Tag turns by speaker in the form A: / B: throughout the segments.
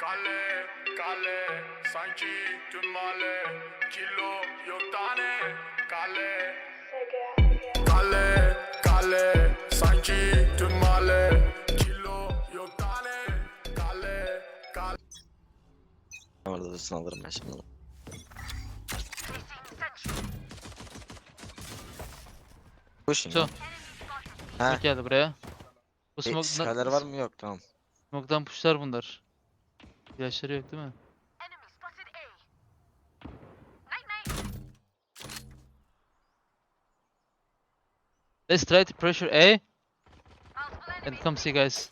A: Kale, kale, sanki tüm mahalle. Kilo yok tane. Kale, kale, kale, sanki tüm mahalle. Kilo yok tane. Kale, kale.
B: Orada dursun alırım ben şimdi. Pushing.
C: So.
B: Ha.
C: Bak geldi buraya. Bu
B: Skaler var mı? Yok, tamam.
C: smoke'dan pushlar bunlar. İlaçları yok değil mi? Let's try to pressure A. And come see guys.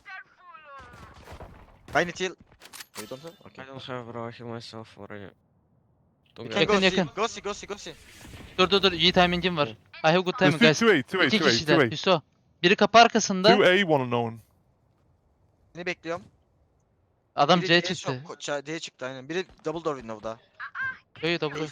B: I need heal. You don't have?
D: I
B: Okay.
D: don't have bro, I heal myself already. Don't
B: You
D: get
B: can
C: Yakın,
B: go
C: yakın.
B: see. Go see, go see, go see.
C: Dur iyi timing'im var. I have good timing
E: There's
C: guys.
E: 2A, 2A,
C: İki
E: 2A,
C: kişiler.
E: 2A.
C: Hüso. Biri kapı arkasında.
E: 2A, one unknown.
B: Seni bekliyorum.
C: Adam
B: Biri
C: C
B: D'ye
C: çıktı.
B: D'ye çıktı aynen. Biri double door window'da.
C: Yo double.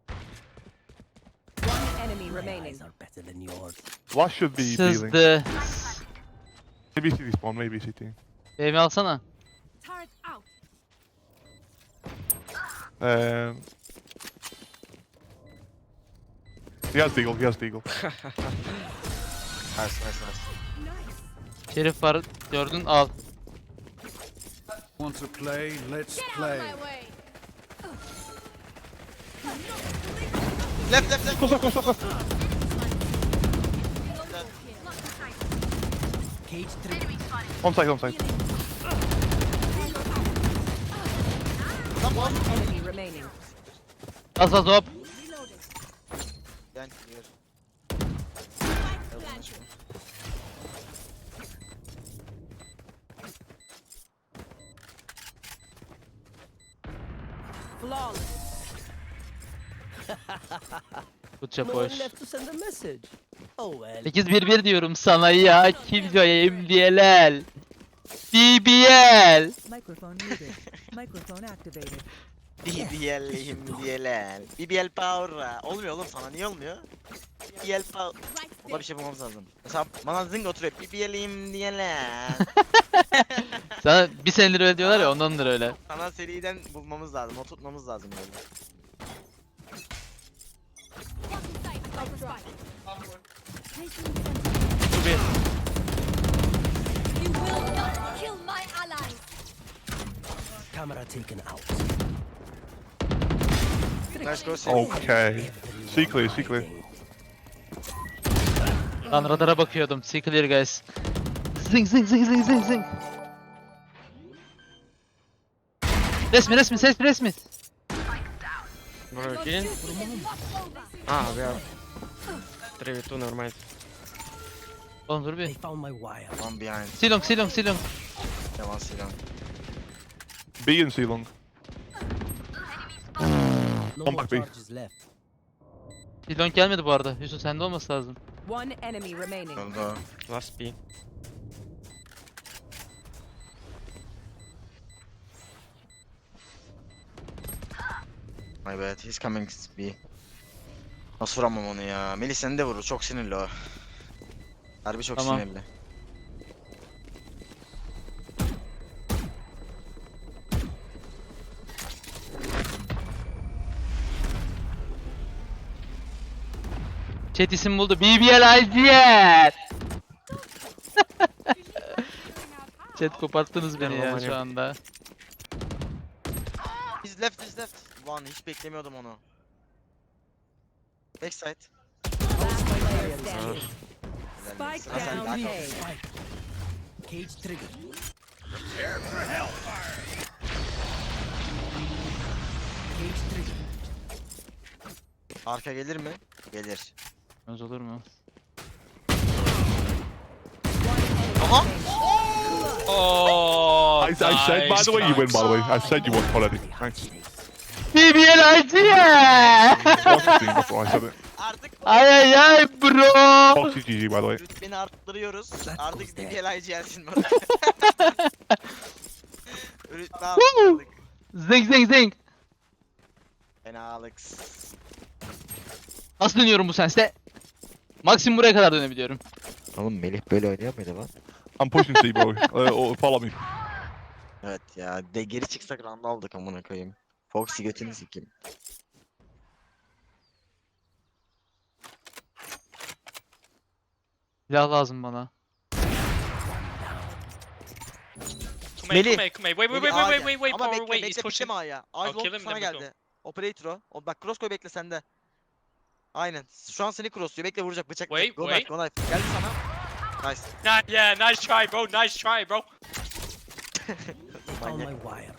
F: One enemy remaining.
E: Last should be healing.
C: Sızdı.
E: Maybe CT spawn, maybe CT.
C: BM alsana.
F: Turret out.
E: He has deagle, he has deagle.
B: Nice, nice, nice.
C: Şerif var. Gördün al.
A: Want to play? Let's play.
B: Left, left, left.
E: Close up, close up, close. On site, on site.
B: Come on.
F: Enemy remaining.
C: Az hop.
B: Yani here.
F: Flawless.
C: Good job
G: No
C: boys.
G: one left to send a message. Oh well.
C: 8-1-1 diyorum sana ya. Killjoy MDLL. BBL.
H: Microphone muted. Microphone activated.
B: BBL'liyim DLL. BBL power. Olmuyor oğlum sana, niye olmuyor? BBL power. Ona bir şey bulmamız lazım. Mesela bana zing oturuyor. BBL'liyim DLL.
C: Sana bir senedir öyle diyorlar ya ondandır öyle.
B: Sana seriden bulmamız lazım. Oturtmamız lazım böyle.
F: You will not kill my allies.
G: Camera taken out.
B: Nice go see.
E: Okay. C clear, C clear.
C: Lan radara bakıyordum. See clear guys. Zing zing zing zing zing zing. Resmi.
D: bro, again? Ah, we are 3v2, never mind.
C: Oğlum dur
G: They
C: bir.
G: found my wire.
B: One behind.
C: Silong.
B: Yeah, one silent.
E: B and C long.
G: No
E: Come
G: more
E: back, B.
G: charges left.
C: Silong gelmedi bu arada. Yusuf sende olması lazım.
F: One enemy remaining.
B: Öldü.
D: Last P.
B: My bad, he's coming B. Nasıl vuramam onu ya? Melih seni de vurur, çok sinirli o. Harbi çok
C: Tamam.
B: sinirli.
C: Chat isim buldu. BBL IGL. Chat koparttınız beni ya şu anda.
B: He's left. One, hiç beklemiyordum onu. Backside.
F: Last player standing.
B: Helal
F: Spike
B: olsun. Hasan,
F: down
B: back
F: A.
B: off.
G: Cage trigger. Cage trigger.
B: Arka gelir mi? Gelir.
C: Öz olur mu?
B: Aha!
C: Oh,
E: I said, by the way, you win, by the way. I said you won already. Thanks.
C: BBL IGL.
E: Foxy, that's why I said it.
B: Artık
C: Ay bro.
E: Foxy GG, by the way.
B: rütbeni arttırıyoruz.
G: goes
B: Artık
G: there.
B: BBL gelsin bana. Rütbe arttırdık.
C: Zing.
B: Fenalık.
C: Nasıl dönüyorum bu senste? Maksimum buraya kadar dönebiliyorum.
B: Oğlum Melih böyle oynuyor muydu lan?
E: I'm pushing C, bro. Or follow me.
B: Evet ya. De geri çıksak round aldık amına koyayım. Foxy götünü sikeyim.
C: Silah lazım bana.
B: Melih.
I: Come here. Wait,
B: Melih A'ya. Ama
I: power,
B: bekle
I: wait, he's
B: bekle
I: pushing.
B: bekleme A'ya.
I: I'll
B: Eyes
I: kill
B: long
I: him,
B: sana
I: then we
B: geldi. Operator o. O bak cross koy bekle sende. Aynen. Şu an seni crossluyor. Bekle vuracak bıçak.
I: Wait,
B: Go
I: wait.
B: knife, go knife. Geldi sana. Nice.
I: Yeah, nice try, bro. Nice try, bro.
G: Found
B: Manyak.
G: my wire.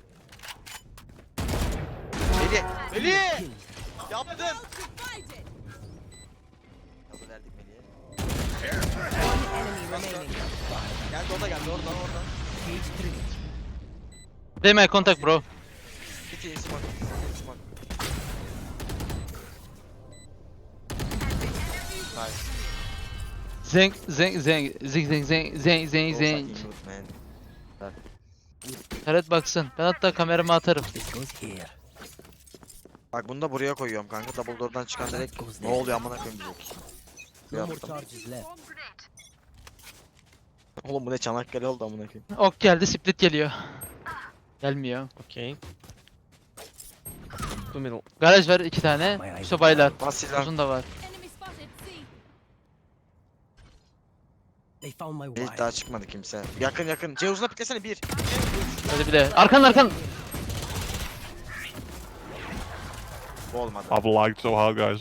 B: Melih. Melih.
G: Kill.
B: Yaptın.
F: Divided.
B: Yazı verdik Melih'e.
F: One enemy remaining.
B: Geldi o da geldi oradan oradan.
G: Cage triggered.
C: Play my contact bro.
B: İki smoke. Smoke. Nice.
C: Zeng zeng zeng zeng zeng zeng zeng zeng
B: Go
C: zeng.
B: fucking good, man.
C: Taret baksın. Ben hatta kameramı atarım.
G: It goes here.
B: Bak bunu da buraya koyuyorum kanka. Double door'dan çıkan direkt
G: Goes
B: ne
G: there.
B: oluyor amına koyayım diyecek.
G: No more
B: Yaptım.
G: charges left.
B: Oğlum bu ne Çanakkale oldu amına koyayım.
C: Ok geldi, split geliyor. Gelmiyor.
D: Okay. Two middle.
C: Garaj var 2 tane. Yusuf baylar.
B: Bas silah.
C: Uzun da var.
F: Enemy spotted. C.
G: They found my
B: Hiç
G: wire.
B: daha çıkmadı kimse. Yakın yakın. C uzuna piklesene bir.
C: Hadi bir de. Arkan arkan.
B: Bu olmadı.
E: I've lagged so hard, guys.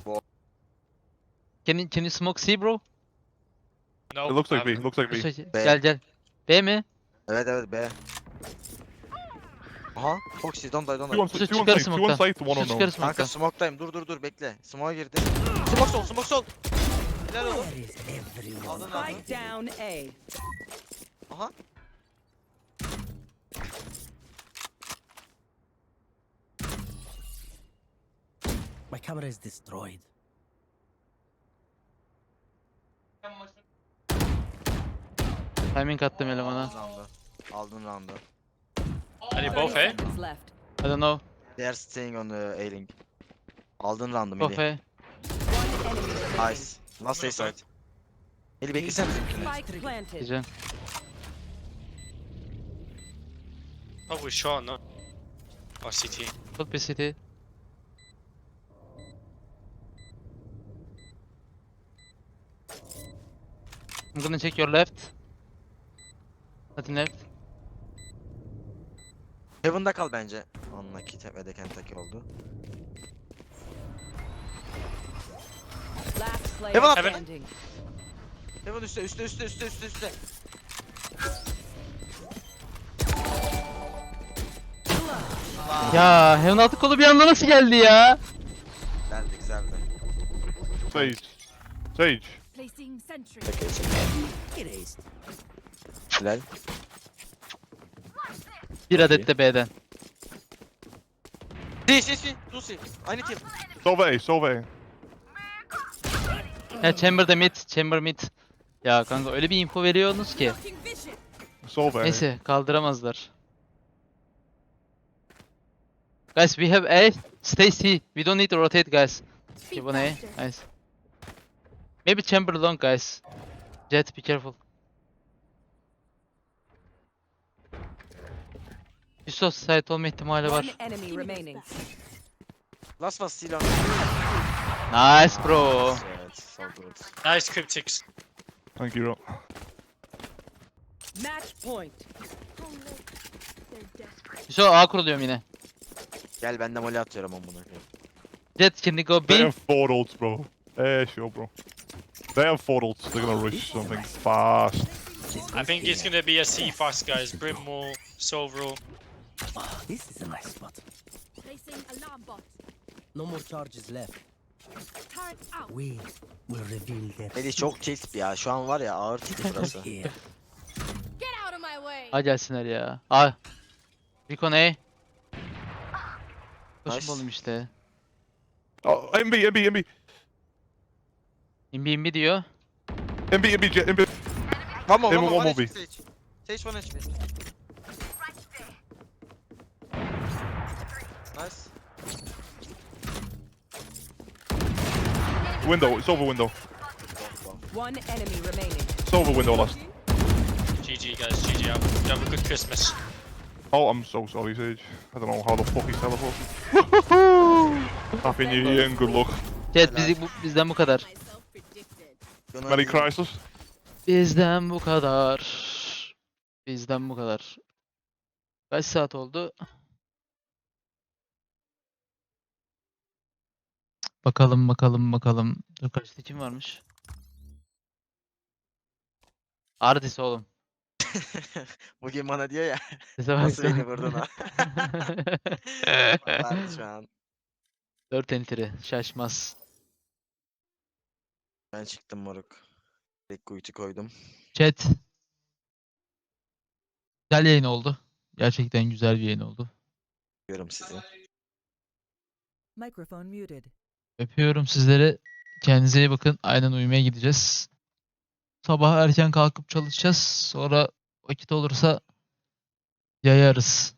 C: Can you smoke C bro?
I: No.
E: It looks like B.
I: um,
E: Looks like B.
C: Yusuf, gel gel. B mi?
B: Evet evet B. Aha. Foxy don't die don't
E: Two on,
B: die.
C: Yusuf
E: two on
C: çıkar
E: site, two on
C: smoke'tan.
E: site, one on
C: Yusuf
E: no.
C: çıkar
B: Kanka
C: smoke'tan.
B: smoke'tayım. Dur bekle. Smoke'a girdi. Smoke sol smoke sol. Helal oğlum.
G: Where is everyone?
B: Aldın
F: Spike
B: aldın.
F: down A.
B: Aha.
G: My camera is destroyed.
C: Timing attım elemana.
B: Aldın round'u. Aldın round'u.
I: Are they
F: 30
I: both, eh?
F: seconds left.
C: I don't know.
B: They are staying on the A-link. Aldın round'u
C: Go
B: Melih.
C: F.
F: One enemy remaining.
B: Nice. Last A side. Melih beklesene bizimkini.
F: Spike planted.
C: Güzel.
I: Probably short, no? Or CT.
C: Full PCT. I'm gonna check your left. Nothing left.
B: Heaven'da kal bence. Unlucky ve de Kentucky oldu.
F: Last player
B: Heaven up.
F: standing.
B: Heaven üstte.
C: Ya Heaven altı kolu bir anda nasıl geldi ya?
B: Güzeldi.
E: Sage. Sage.
F: Placing sentry.
B: Peki
G: Erased.
B: Hilal.
C: Bir adet de B'den.
B: Si. Lucy. Aynı team.
E: Solve A, solve A.
C: Ya Chamber'da mid, Chamber mid. Ya kanka öyle bir info veriyorsunuz ki.
F: Blocking vision.
E: Solve A.
C: Neyse kaldıramazlar. Guys we have A. Stay C. We don't need to rotate guys. Okay, one A. Nice. Maybe Chamber long guys. Jet be careful. Yusuf site olma ihtimali
F: One
C: var.
F: enemy remaining.
B: Last was silah.
C: Nice bro.
B: Evet, so good.
I: Nice cryptics.
E: Thank you, bro.
F: Match point.
C: Yusuf A kuruluyorum yine.
B: Gel ben de mole atıyorum amına koyayım.
C: Jet can you go
E: They
C: B?
E: have 4 ults, bro. Sure, bro. They have 4 ults. They're gonna rush something fast.
G: This
I: I
G: goes
I: think it's
G: here.
I: gonna be a C fast, guys. Brimwall, Sovereign.
G: Ah, this is a nice spot.
F: Placing alarm bot.
G: No more charges left.
F: Turret out.
G: We will reveal their
B: Melih çok crisp ya. Şu an var ya ağır tipi burası.
G: here.
F: Get out of my way.
C: A gelsinler ya. A. Recon A. Koşun
B: Nice.
C: oğlum işte.
E: Oh, MB.
C: İmbi diyor.
E: MB, Jet, MB.
B: One more
E: One more B.
B: Sage. Sage 1 HP. Nice.
E: Window, it's over window.
F: One enemy remaining.
E: It's over window last.
I: GG, guys. GG out. You have a good Christmas.
E: Oh, I'm so sorry, Sage. I don't know how the fuck he teleported. Happy New Year and good luck.
C: Chat bizden bu kadar.
F: Myself predicted.
B: Gonna
E: Merry
B: be-
E: Chrysler.
C: Bizden bu kadar. Bizden bu kadar. Kaç saat oldu? Bakalım. Dur kaçta kim varmış? Ardis oğlum.
B: Bugün bana diyor ya.
C: Sese bak
B: Nasıl
C: sen.
B: beni vurdun ha? Vardı şu an.
C: 4 entry. Şaşmaz.
B: Ben çıktım moruk. Tek kuytu koydum.
C: Chat. Güzel yayın oldu. Gerçekten güzel bir yayın oldu.
B: Diyorum sizi.
H: Microphone muted.
C: Öpüyorum sizleri. Kendinize iyi bakın. Aynen uyumaya gideceğiz. Sabah erken kalkıp çalışacağız. Sonra vakit olursa yayarız.